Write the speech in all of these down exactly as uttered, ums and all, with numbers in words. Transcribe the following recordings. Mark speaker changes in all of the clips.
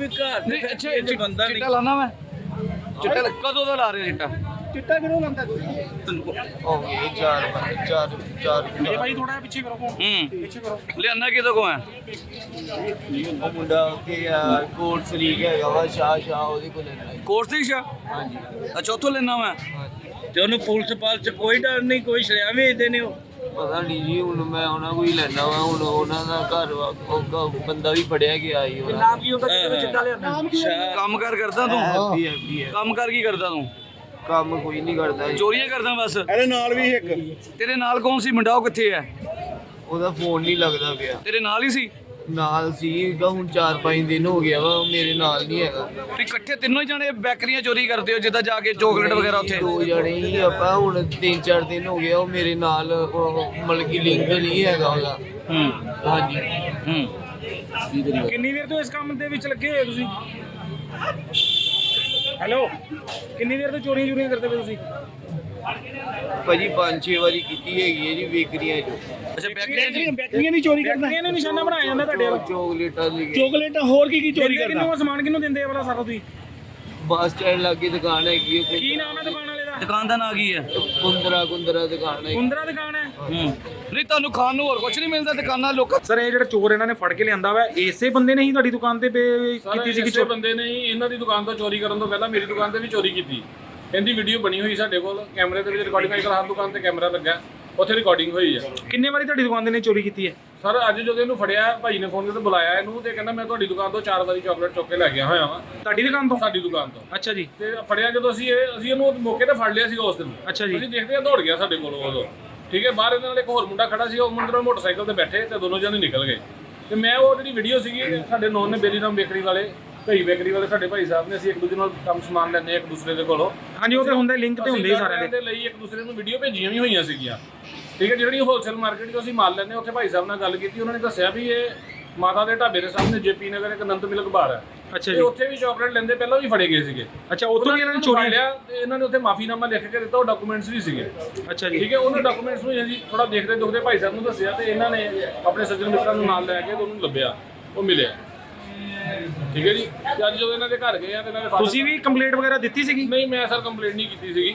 Speaker 1: ਵੀ ਘਰ
Speaker 2: ਨਹੀਂ
Speaker 1: ਤੇ
Speaker 2: ਅੱਛਾ
Speaker 1: ਇਹ ਬੰਦਾ ਨਹੀਂ
Speaker 2: ਚਿੱਟਾ ਲਾਣਾ ਮੈਂ ਚਿੱਟਾ ਕਦੋਂ ਦਾ ਲਾ ਰਹੇ ਚਿੱਟਾ
Speaker 3: ਚਿੱਟਾ ਕਿਹਨੂੰ ਲੰਦਾ ਕੋਈ
Speaker 4: ਹੋ ਗਏ ਚਾਰ ਪੰਜ ਚਾਰ ਚਾਰ
Speaker 3: ਇਹ ਭਾਈ ਥੋੜਾ ਪਿੱਛੇ ਕਰੋ ਫੋਨ
Speaker 2: ਹੂੰ
Speaker 3: ਪਿੱਛੇ ਕਰੋ
Speaker 2: ਲਿਆਂਦਾ ਕਿਦੋਂ ਕੋ ਹੈ
Speaker 4: ਉਹ ਮੁੰਡਾ ਕਿ ਯਾਰ ਕੋਟ ਸਰੀਕ ਹੈਗਾ ਵਾ ਸ਼ਾਹ ਸ਼ਾਹ ਉਹਦੇ ਕੋਲ ਲੈਣਾ
Speaker 2: ਕੋਰਸ ਦੀ ਸ਼ਾ
Speaker 4: ਹਾਂਜੀ
Speaker 2: ਅੱਛਾ ਉੱਥੋਂ ਲੈਣਾ ਮੈਂ
Speaker 1: ਤੇ ਉਹਨੂੰ ਪੁਲਿਸ ਪਾਲ ਚ ਕੋਈ ਡਰ ਨਹੀਂ, ਕੋਈ ਸ਼ਰਿਆ ਵੇਚਦੇ ਨੇ ਉਹ।
Speaker 4: ਪਤਾ ਨਹੀਂ ਜੀ ਹੁਣ ਮੈਂ ਉਹਨਾਂ ਕੋਈ ਲੈਣਾ ਵਾ ਹੁਣ ਉਹਨਾਂ ਦਾ ਘਰ ਵਾ ਉਹ ਕ- ਬੰਦਾ ਵੀ ਫੜਿਆ ਗਿਆ ਸੀ ਉਹਦਾ
Speaker 3: ਨਾਮ ਕੀ ਹੁੰਦਾ ਕਿਹਦੇ ਚਿੱਟਾ ਲਿਆਂਦਾ
Speaker 1: ਅੱਛਾ
Speaker 2: ਕੰਮ ਕਰ ਕਰਦਾ ਤੂੰ
Speaker 4: ਹੈਪੀ ਹੈਪੀ ਹੈ
Speaker 2: ਕੰਮ ਕਰ ਕੀ ਕਰਦਾ ਤੂੰ
Speaker 4: ਕੰਮ ਕੋਈ ਨਹੀਂ ਕਰਦਾ ਜੀ।
Speaker 2: ਚੋਰੀਆਂ ਕਰਦਾ ਬਸ
Speaker 3: ਇਹਦੇ ਨਾਲ ਵੀ ਇੱਕ
Speaker 2: ਤੇਰੇ ਨਾਲ ਕੌਣ ਸੀ ਮੁੰਡਾ ਉਹ ਕਿੱਥੇ ਹੈ
Speaker 4: ਉਹਦਾ ਫੋਨ ਨਹੀਂ ਲੱਗਦਾ ਪਿਆ
Speaker 2: ਤੇਰੇ ਨਾਲ ਹੀ ਸੀ
Speaker 4: ਨਾਲ ਸੀਗਾ ਹੁਣ ਚਾਰ ਪੰਜ ਦਿਨ ਹੋ ਗਿਆ ਵਾ ਉਹ ਮੇਰੇ ਨਾਲ ਨਹੀਂ ਹੈਗਾ
Speaker 2: ਤੁਸੀਂ ਇਕੱਠੇ ਤਿੰਨੋਂ ਹੀ ਜਾਣੇ ਬੈਕਰੀਆਂ ਚੋਰੀ ਕਰਦੇ ਹੋ ਜਿੱਦਾਂ ਜਾ ਕੇ ਚੋਕਲੇਟ ਵਗੈਰਾ ਉੱਥੇ
Speaker 4: ਦੋ ਜਣੇ ਹੀ ਆਪਾਂ ਹੁਣ ਤਿੰਨ ਚਾਰ ਦਿਨ ਹੋ ਗਿਆ ਉਹ ਮੇਰੇ ਨਾਲ ਉਹ ਮਤਲਬ ਕਿ ਲਿੰਕ ਨਹੀਂ ਹੈਗਾ ਉਹਦਾ
Speaker 2: ਹੂੰ
Speaker 4: ਹਾਂਜੀ
Speaker 2: ਹੂੰ
Speaker 3: ਕਿੰਨੀ ਦੇਰ ਤੋਂ ਇਸ ਕੰਮ ਦੇ ਵਿੱਚ ਲੱਗੇ ਹੋਏ ਤੁਸੀਂ ਹੈਲੋ ਕਿੰਨੀ ਦੇਰ ਤੋਂ ਚੋਰੀਆਂ ਚੋਰੀਆਂ ਕਰਦੇ ਪਏ ਤੁਸੀਂ
Speaker 4: ਭਾਜੀ ਪੰਜ ਛੇ ਵਾਰੀ ਕੀਤੀ ਹੈਗੀ ਹੈ ਜੀ ਬੇਕਰੀਆਂ 'ਚ
Speaker 2: ਅੱਛਾ ਬੈਕਰੀਆਂ ਜੀ
Speaker 3: ਬੈਟਰੀਆਂ ਦੀ ਚੋਰੀ ਕਰਦਾ ਇਹਨੇ ਨਿਸ਼ਾਨਾ ਬਣਾਇਆ ਜਾਂਦਾ ਤੁਹਾਡੇ ਵੱਲ
Speaker 4: ਚੋਕਲੇਟਾਂ ਦੀ
Speaker 3: ਚੋਕਲੇਟ ਹੋਰ ਕੀ ਕੀ ਚੋਰੀ ਕਰਦਾ ਕਿੰਨੂੰ ਸਮਾਨ ਕਿੰਨੂੰ ਦਿੰਦੇ ਆ ਵਾਲਾ ਸਾਰਾ ਤੁਸੀਂ
Speaker 4: ਬੱਸ ਸਟੈਂਡ ਲਾਗੇ ਦੁਕਾਨ ਹੈਗੀ ਹੈ
Speaker 3: ਕੀ ਨਾਮ ਹੈ ਦੁਕਾਨ ਵਾਲੇ ਦਾ
Speaker 2: ਦੁਕਾਨ ਦਾ ਨਾਂ ਕੀ ਹੈ
Speaker 4: ਕੁੰਦਰਾ ਕੁੰਦਰਾ ਦੁਕਾਨ ਹੈ
Speaker 3: ਕੁੰਦਰਾ ਦੁਕਾਨ ਹੈ
Speaker 2: ਹੂੰ ਨਹੀਂ ਤੁਹਾਨੂੰ ਖਾਣ ਨੂੰ ਹੋਰ ਕੁਝ ਨਹੀਂ ਮਿਲਦਾ ਦੁਕਾਨਾਂ ਲੋਕਾਂ
Speaker 3: ਸਰ ਇਹ ਜਿਹੜਾ ਚੋਰ ਇਹਨਾਂ ਨੇ ਫੜ ਕੇ ਲਿਆਂਦਾ ਵਾ ਇਸੇ ਬੰਦੇ ਨੇ ਹੀ ਤੁਹਾਡੀ ਦੁਕਾਨ ਤੇ ਬੇ- ਕੀਤੀ ਸੀ ਕਿ
Speaker 5: ਕਿਸੇ ਬੰਦੇ ਨੇ ਹੀ ਇਹਨਾਂ ਦੀ ਦੁਕਾਨ ਤੋਂ ਚੋਰੀ ਕਰਨ ਤੋਂ ਪਹਿਲਾਂ ਮੇਰੀ ਦੁਕਾਨ ਤੇ ਵੀ ਚੋਰੀ ਕੀਤੀ। ਇਹਦੀ ਵੀਡੀਓ ਬਣੀ ਹੋਈ ਸਾਡੇ ਕੋਲ ਕੈਮਰੇ ਦੇ ਵਿੱਚ ਰਿਕਾਰਡਿੰਗ ਅੱਜ ਕੱਲ੍ਹ ਹਰ ਦੁਕਾਨ ਤੇ ਕੈਮਰਾ ਲੱਗਾ ਉੱਥੇ ਰਿਕਾਰਡਿੰਗ ਹੋਈ ਹੈ।
Speaker 3: ਕਿੰਨੇ ਵਾਰੀ ਤੁਹਾਡੀ ਦੁਕਾਨ ਦੇ ਨੇ ਚੋਰੀ ਕੀਤੀ ਹੈ
Speaker 5: ਸਰ ਅੱਜ ਜਦੋਂ ਇਹਨੂੰ ਫੜਿਆ ਭਾਈ ਨੇ ਫੋਨ ਕਰਕੇ ਬੁਲਾਇਆ ਇਹਨੂੰ ਤੇ ਕਹਿੰਦਾ ਮੈਂ ਤੁਹਾਡੀ ਦੁਕਾਨ ਤੋਂ ਚਾਰ ਵਾਰੀ ਚਾਕਲੇਟ ਚੁੱਕ ਕੇ ਲੈ ਗਿਆ ਹੋਇਆ ਵਾਂ
Speaker 3: ਤੁਹਾਡੀ ਦੁਕਾਨ ਤੋਂ
Speaker 5: ਸਾਡੀ ਦੁਕਾਨ ਤੋਂ।
Speaker 3: ਅੱਛਾ ਜੀ
Speaker 5: ਤੇ ਫੜਿਆ ਜਦੋਂ ਅਸੀਂ ਇਹ ਅਸੀਂ ਇਹਨੂੰ ਮੌਕੇ ਤੇ ਫੜ ਲਿਆ ਸੀਗਾ ਉਸ ਦਿਨ।
Speaker 3: ਅੱਛਾ ਜੀ
Speaker 5: ਅਸੀਂ ਦੇਖਦੇ ਆ ਦੌੜ ਗਿਆ ਸਾਡੇ ਕੋਲ ਉਦੋਂ ਠੀਕ ਹੈ। ਬਾਹਰ ਇਹਦੇ ਨਾਲ ਇੱਕ ਹੋਰ ਮੁੰਡਾ ਖੜਾ ਸੀ ਉਹ ਮੁੰਡਾ ਮੋਟਰਸਾਈਕਲ ਤੇ ਬੈਠੇ ਤੇ ਦੋਨੋਂ ਜਣੇ ਨਿਕਲ ਗਏ। ਤੇ ਮੈਂ ਉਹ ਜਿਹੜੀ ਵੀਡੀਓ ਸੀਗੀ ਸਾਡੇ ਨੌਨ ਨੇ ਬੇਰੀਰਾਮ ਬੇਕਰੀ ਵਾਲੇ ਕਈ ਬੇਕਰੀ ਵਾਲੇ ਸਾਡੇ ਭਾਈ ਸਾਹਿਬ ਨੇ ਅਸੀਂ ਇੱਕ ਦੂਜੇ ਨਾਲ ਕੰਮ ਸਮਾਨ ਲੈਂਦੇ ਇੱਕ ਦੂਸਰੇ ਦੇ ਕੋਲੋਂ।
Speaker 3: ਹਾਂਜੀ ਉਹ ਤੇ ਹੁੰਦਾ ਲਿੰਕ ਤੇ ਹੁੰਦੇ ਹੀ ਸਾਰਿਆਂ ਦੇ
Speaker 5: ਲਈ ਇੱਕ ਦੂਸਰੇ ਨੂੰ ਵੀਡੀਓ ਭੇਜੀਆਂ ਵੀ ਹੋਈਆਂ ਸੀਗੀਆਂ ਠੀਕ ਹੈ। ਜਿਹੜੀ ਹੋਲਸੇਲ ਮਾਰਕੀਟ ਤੋਂ ਅਸੀਂ ਮਾਲ ਲੈਂਦੇ ਉੱਥੇ ਭਾਈ ਸਾਹਿਬ ਨਾਲ ਗੱਲ ਕੀਤੀ ਉਹਨਾਂ ਨੇ ਦੱਸਿਆ ਵੀ ਇਹ ਮਾਤਾ ਦੇ ਢਾਬੇ ਦੇ ਸਾਹਮਣੇ ਜੇਪੀ ਨਗਰ ਇੱਕ ਅਨੰਤ ਮਿਲਕ ਬਾਰ ਹੈ
Speaker 3: ਅੱਛਾ
Speaker 5: ਤੇ
Speaker 3: ਜੀ
Speaker 5: ਉੱਥੇ ਵੀ ਚਾਕਲੇਟ ਲੈਂਦੇ ਪਹਿਲਾਂ ਵੀ ਫੜੇ ਗਏ ਸੀਗੇ।
Speaker 3: ਅੱਛਾ ਉੱਥੋਂ ਵੀ ਇਹਨਾਂ ਨੇ ਚੋਰੀ
Speaker 5: ਲਿਆ ਤੇ ਇਹਨਾਂ ਨੇ ਉੱਥੇ ਮਾਫੀਨਾਮਾ ਲਿਖ ਕੇ ਦਿੱਤਾ ਉਹ ਡਾਕੂਮੈਂਟਸ ਵੀ ਸੀਗੇ
Speaker 3: ਅੱਛਾ ਜੀ
Speaker 5: ਠੀਕ ਹੈ। ਉਹਨਾਂ ਡਾਕੂਮੈਂਟਸ ਨੂੰ ਅਸੀਂ ਥੋੜਾ ਦੇਖਦੇ ਦੁਖਦੇ ਭਾਈ ਸਾਹਿਬ ਨੂੰ ਦੱਸਿਆ ਤੇ ਇਹਨਾਂ ਨੇ ਆਪਣੇ ਸੱਜਣ ਮਿੱਤਰਾਂ ਨੂੰ ਨਾਲ ਲੈ ਕੇ ਤੇ ਉਹਨੂੰ ਲੱਭਿਆ ਉਹ ਮਿਲਿਆ ਠੀਕ ਹੈ ਜੀ। ਤੇ ਅੱਜ ਜਦੋਂ ਇਹਨਾਂ ਦੇ ਘਰ ਗਏ ਆ ਤੇ ਇਹਨਾਂ ਦੇ father-
Speaker 3: ਤੁਸੀਂ ਵੀ ਕੰਪਲੇਂਟ ਵਗੈਰਾ ਦਿੱਤੀ ਸੀਗੀ
Speaker 5: ਨਹੀਂ ਮੈਂ ਸਰ ਕੰਪਲੇਂਟ ਨਹੀਂ ਕੀਤੀ ਸੀਗੀ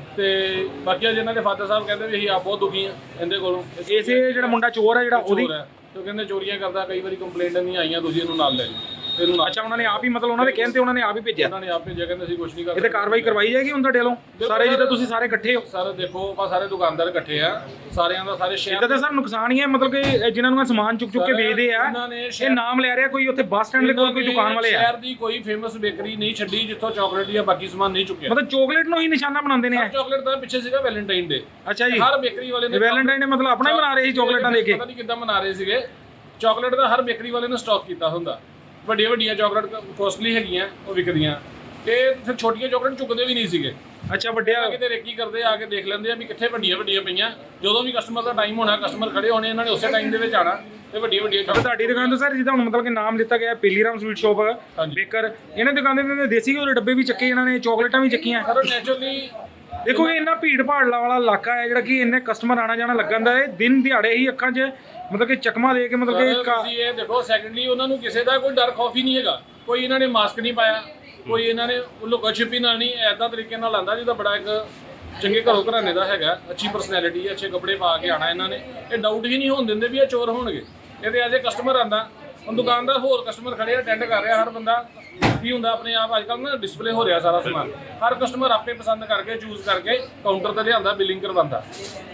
Speaker 5: ਤੇ ਬਾਕੀ ਅੱਜ ਇਹਨਾਂ ਦੇ ਫਾਦਰ ਸਾਹਿਬ ਕਹਿੰਦੇ ਵੀ ਅਸੀਂ ਆਪ ਬਹੁਤ ਦੁਖੀ ਆ ਇਹਦੇ ਕੋਲੋਂ
Speaker 3: ਇਸੇ ਜਿਹੜਾ ਮੁੰਡਾ ਚੋਰ ਹੈ ਜਿਹੜਾ ਉਹਦੀ
Speaker 5: ਚੋਰ ਹੈ ਤੇ ਉਹ ਕਹਿੰਦੇ ਚੋਰੀਆਂ ਕਰਦਾ ਕਈ ਵਾਰੀ ਕੰਪਲੇਂਟ ਨਹੀਂ ਆਈਆਂ ਤੁਸੀਂ ਇਹਨੂੰ ਨਾਲ ਲੈ ਜਾਓ ਤੇ ਇਹਨੂੰ ਨਾਲ
Speaker 3: ਅੱਛਾ ਉਹਨਾਂ ਨੇ ਆਪ ਹੀ ਮਤਲਬ ਉਹਨਾਂ ਦੇ ਕਹਿਣ ਤੇ ਉਹਨਾਂ ਨੇ ਆਪ ਹੀ ਭੇਜਿਆ
Speaker 5: ਉਹਨਾਂ ਨੇ ਆਪ ਭੇਜਿਆ ਕਹਿੰਦੇ ਅਸੀਂ ਕੁਝ ਨਹੀਂ
Speaker 3: ਇਹ ਤੇ
Speaker 5: ਕਰਦੇ।
Speaker 3: ਕਾਰਵਾਈ ਕਰਵਾਈ ਜਾਏਗੀ ਹੁਣ ਤੁਹਾਡੇ ਵੱਲੋਂ ਸਾਰੇ ਜਿੱਦਾਂ ਤੁਸੀਂ ਸਾਰੇ ਇਕੱਠੇ ਹੋ
Speaker 5: ਸਰ ਦੇਖੋ ਆਪਾਂ ਸਾਰੇ ਦੁਕਾਨਦਾਰ ਇਕੱਠੇ ਆ ਸਾਰਿਆਂ ਦਾ ਸਾਰੇ ਸ਼ਹਿਰ
Speaker 3: ਇਦਾਂ ਤਾਂ ਸਰ ਨੁਕਸਾਨ ਹੀ ਹੈ ਮਤਲਬ ਕਿ ਇਹ ਜਿਨ੍ਹਾਂ ਨੂੰ ਇਹ ਸਮਾਨ ਚੁੱਕ ਚੁੱਕ ਕੇ ਵੇਚਦੇ ਆ
Speaker 5: ਇਹਨਾਂ ਨੇ
Speaker 3: ਇਹ ਨਾਮ ਲੈ ਰਿਹਾ ਕੋਈ ਉੱਥੇ ਬੱਸ ਸਟੈਂਡ ਦੇ ਕੋਲ ਕੋਈ ਦੁਕਾਨ ਵਾਲੇ ਆ
Speaker 5: ਸ਼ਹਿਰ ਦੀ ਕੋਈ ਫੇਮਸ ਬੇਕਰੀ ਨਹੀਂ ਛੱਡੀ ਜਿੱਥੋਂ ਚਾਕਲੇਟ ਜਾਂ ਬਾਕੀ ਸਮਾਨ ਨਹੀਂ ਚੁੱਕਿਆ।
Speaker 3: ਮਤਲਬ ਚੋਕਲੇਟ ਨੂੰ ਹੀ ਨਿਸ਼ਾਨਾ ਬਣਾਉਂਦੇ ਨੇ ਇਹ।
Speaker 5: ਚਾਕਲੇਟ ਦਾ ਪਿੱਛੇ ਸੀਗਾ ਵੈਲੈਂਟਾਈਨ ਡੇ
Speaker 3: ਅੱਛਾ ਜੀ
Speaker 5: ਹਰ ਬੇਕਰੀ ਵਾਲੇ ਨੇ
Speaker 3: ਵੈਲੈਂਟਾਈਨ ਡੇ ਮਤਲਬ ਆਪਣਾ ਹੀ ਬਣਾ ਰਹੇ ਸੀ ਚਾਕਲੇਟਾਂ ਦੇ ਕੇ
Speaker 5: ਪਤਾ ਨਹੀਂ ਕਿੱਦਾਂ ਬਣਾ ਰਹੇ ਸੀਗੇ ਚਾਕਲੇਟ ਦਾ ਹਰ ਬੇਕਰੀ ਵਾਲੇ ਨੇ ਸਟਾਕ ਕੀਤਾ ਹੁੰਦਾ। ਵੱਡੀਆਂ ਵੱਡੀਆਂ ਚਾਕਲੇਟ ਕੋਸਟਲੀ ਹੈਗੀਆਂ ਉਹ ਵਿਕਦੀਆਂ ਤੇ ਫਿਰ ਛੋਟੀਆਂ ਚਾਕਲੇਟ ਚੁੱਕਦੇ ਵੀ ਨਹੀਂ ਸੀਗੇ।
Speaker 3: ਅੱਛਾ ਵੱਡਿਆ
Speaker 5: ਕਿਤੇ ਰੇਕੀ ਕਰਦੇ ਆ ਕੇ ਦੇਖ ਲੈਂਦੇ ਆ ਵੀ ਕਿੱਥੇ ਵੱਡੀਆਂ ਵੱਡੀਆਂ ਪਈਆਂ ਜਦੋਂ ਵੀ ਕਸਟਮਰ ਦਾ ਟਾਈਮ ਹੋਣਾ ਕਸਟਮਰ ਖੜੇ ਹੋਣੇ ਇਹਨਾਂ ਨੇ ਉਸੇ ਟਾਈਮ ਦੇ ਵਿੱਚ ਆਣਾ ਤੇ ਵੱਡੀਆਂ ਵੱਡੀਆਂ
Speaker 3: ਤੇ ਤੁਹਾਡੀ ਦੁਕਾਨ ਤੋਂ ਸਰ ਜਿੱਦਾਂ ਹੁਣ ਮਤਲਬ ਕਿ ਨਾਮ ਲਿੱਤਾ ਗਿਆ ਪੀਲੀਰਾਮ ਸਵੀਟ ਸ਼ਾਪ ਬੇਕਰ ਇਹਨਾਂ ਦੁਕਾਨ ਦੇ ਨੇ ਦੇਸੀ ਘਿਓ ਦੇ ਡੱਬੇ ਵੀ ਚੱਕੇ ਇਹਨਾਂ ਨੇ ਚਾਕਲੇਟਾਂ ਵੀ ਚੱਕੀਆਂ।
Speaker 5: ਸਰ ਨੈਚੁਰਲੀ
Speaker 3: ਦੇਖੋ ਇਹ ਇੰਨਾ ਭੀੜ ਭਾੜ ਵਾਲਾ ਇਲਾਕਾ ਹੈ ਜਿਹੜਾ ਕਿ ਇੰਨੇ ਕਸਟਮਰ ਆਣਾ ਜਾਣਾ ਲੱਗਣ ਦਾ ਹੈ ਦਿਨ ਦਿਹਾੜੇ ਹੀ ਅੱਖਾਂ 'ਚ ਮਤਲਬ ਕਿ ਚਕਮਾ ਦੇ ਕੇ ਮਤਲਬ ਕਿ
Speaker 5: ਤੁਸੀਂ ਇਹ ਦੇਖੋ ਸੈਕੰਡਲੀ ਉਹਨਾਂ ਨੂੰ ਕਿਸੇ ਦਾ ਕੋਈ ਡਰ ਖੌਫ ਹੀ ਨਹੀਂ ਹੈਗਾ। ਕੋਈ ਇਹਨਾਂ ਨੇ ਮਾਸਕ ਨਹੀਂ ਪਾਇਆ ਕੋਈ ਇਹਨਾਂ ਨੇ ਲੁਕਾ ਛਿਪੀ ਨਾਲ ਨਹੀਂ ਐਦਾਂ ਤਰੀਕੇ ਨਾਲ ਆਂਦਾ ਜਿਹਦਾ ਬੜਾ ਇੱਕ ਚੰਗੇ ਘਰੋਂ ਘਰਾਣੇ ਦਾ ਹੈਗਾ ਅੱਛੀ ਪਰਸਨੈਲਿਟੀ ਅੱਛੇ ਕੱਪੜੇ ਪਾ ਕੇ ਆਣਾ ਇਹਨਾਂ ਨੇ ਇਹ ਡਾਊਟ ਹੀ ਨਹੀਂ ਹੋਣ ਦਿੰਦੇ ਵੀ ਇਹ ਚੋਰ ਹੋਣਗੇ। ਇਹਦੇ ਐਜ਼ ਏ ਕਸਟਮਰ ਆਂਦਾ ਹੁਣ ਦੁਕਾਨਦਾਰ ਹੋਰ ਕਸਟਮਰ ਖੜੇ ਅਟੈਂਡ ਕਰ ਰਿਹਾ ਹਰ ਬੰਦਾ ਕੀ ਹੁੰਦਾ ਆਪਣੇ ਆਪ ਅੱਜ ਕੱਲ੍ਹ ਨਾ ਡਿਸਪਲੇ ਹੋ ਰਿਹਾ ਸਾਰਾ ਸਮਾਨ ਹਰ ਕਸਟਮਰ ਆਪੇ ਪਸੰਦ ਕਰਕੇ ਚੂਜ਼ ਕਰਕੇ ਕਾਊਂਟਰ ਤੇ ਲਿਆਂਦਾ ਬਿਲਿੰਗ ਕਰਵਾਉਂਦਾ।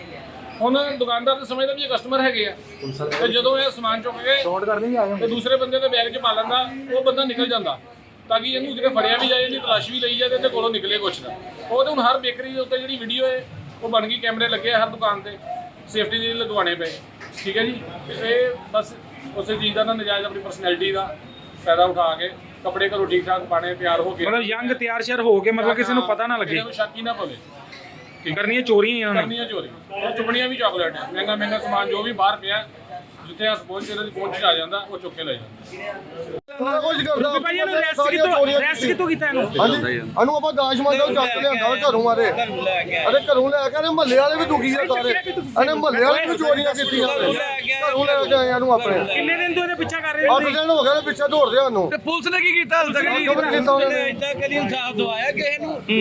Speaker 5: ਹੁਣ ਦੁਕਾਨਦਾਰ ਤਾਂ ਸਮਝਦਾ ਵੀ ਇਹ ਕਸਟਮਰ ਹੈਗੇ ਆ ਤੇ ਜਦੋਂ ਇਹ ਸਮਾਨ ਚੁੱਕ ਕੇ ਤੇ ਦੂਸਰੇ ਬੰਦੇ ਦੇ ਬੈਗ 'ਚ ਪਾ ਲੈਂਦਾ ਉਹ ਬੰਦਾ ਨਿਕਲ ਜਾਂਦਾ ਤਾਂ ਕਿ ਇਹਨੂੰ ਕਿਤੇ ਫੜਿਆ ਵੀ ਜਾਏ ਇਹਦੀ ਤਲਾਸ਼ ਵੀ ਲਈ ਜਾਏ ਤੇ ਇਹਦੇ ਕੋਲੋਂ ਨਿਕਲੇ ਕੁਛ ਨਾ। ਉਹ ਤੇ ਹੁਣ ਹਰ ਬੇਕਰੀ ਦੇ ਉੱਤੇ ਜਿਹੜੀ ਵੀਡੀਓ ਹੈ ਉਹ ਬਣ ਗਈ ਕੈਮਰੇ ਲੱਗੇ ਹਰ ਦੁਕਾਨ ਤੇ ਸੇਫਟੀ ਦੇ ਲਗਵਾਉਣੇ ਪਏ ਠੀਕ ਹੈ ਜੀ। ਇਹ ਬਸ ਉਸੇ ਚੀਜ਼ ਦਾ ਨਾ ਨਜਾਇਜ਼ ਆਪਣੀ ਪਰਸਨੈਲਿਟੀ ਦਾ ਫਾਇਦਾ ਉਠਾ ਕੇ ਕੱਪੜੇ ਘਰੋਂ ਠੀਕ ਠਾਕ ਪਾਣੇ ਤਿਆਰ ਹੋ ਕੇ
Speaker 3: ਮਤਲਬ ਯੰਗ ਤਿਆਰ ਸ਼ਿਆਰ ਹੋ ਕੇ ਮਤਲਬ ਕਿਸੇ ਨੂੰ ਪਤਾ ਨਾ ਲੱਗੇ
Speaker 5: ਕਿਸੇ ਨੂੰ ਸ਼ੱਕ ਹੀ ਨਾ ਪਵੇ
Speaker 3: ਕਰਨੀਆਂ ਚੋਰੀਆਂ ਇਹਨਾਂ ਨੇ
Speaker 5: ਕਰਨੀਆਂ ਚੋਰੀ ਉਹ ਚੁਗਣੀਆਂ ਵੀ ਚਾਕਲੇਟ ਹੈ ਮਹਿੰਗਾ ਮਹਿੰਗਾ ਸਮਾਨ ਜੋ ਵੀ ਬਾਹਰ ਪਿਆ ਜਿੱਥੇ ਹੱਥ ਪਹੁੰਚ ਇਹਨਾਂ ਦੀ ਪਹੁੰਚ 'ਚ ਆ ਜਾਂਦਾ ਉਹ ਚੁੱਕ ਕੇ ਲੈ ਜਾਂਦਾ।
Speaker 6: ਸਾਰਾ ਕੁਝ ਕਰਦਾ
Speaker 3: ਭਾਈ ਇਹਨੂੰ ਰੈਸਟ ਕਿੱਥੋਂ ਰੈਸਟ ਕਿੱਥੋਂ ਕੀਤਾ ਇਹਨੂੰ?
Speaker 6: ਹਾਂਜੀ ਇਹਨੂੰ ਆਪਾਂ ਦਾਸ਼ ਮੰਦਾ ਚੱਕ ਲਿਆਂਦਾ ਘਰੋਂ ਮਾਰੇ ਅਰੇ ਘਰੋਂ ਲੈ ਕੇ ਇਹਨੇ ਮਹੱਲੇ ਵਾਲੇ ਵੀ ਦੁਖੀ ਆ ਸਾਰੇ ਇਹਨੇ ਮਹੱਲੇ ਵਾਲੇ ਵੀ ਚੋਰੀਆਂ ਕੀਤੀਆਂ ਘਰੋਂ ਲੈ ਕੇ ਆਏ ਇਹਨੂੰ ਆਪਣੇ
Speaker 3: ਕਿੰਨੇ ਦਿਨ ਤੋਂ ਇਹਦੇ ਪਿੱਛਾ ਕਰ ਰਹੇ
Speaker 6: ਅੱਠ ਦਿਨ ਹੋ ਗਏ ਪਿੱਛੇ ਦੌੜਦੇ ਸਾਨੂੰ
Speaker 2: ਤੇ ਪੁਲਿਸ ਨੇ ਕੀ ਕੀਤਾ ਹਾਲ ਤੱਕ ਜੀ?
Speaker 6: ਕੀਤਾ ਉਹਨੇ
Speaker 1: ਇਦਾਂ ਕਦੀ ਇਨਸਾਫ ਦਵਾਇਆ ਕਿਸੇ ਨੂੰ?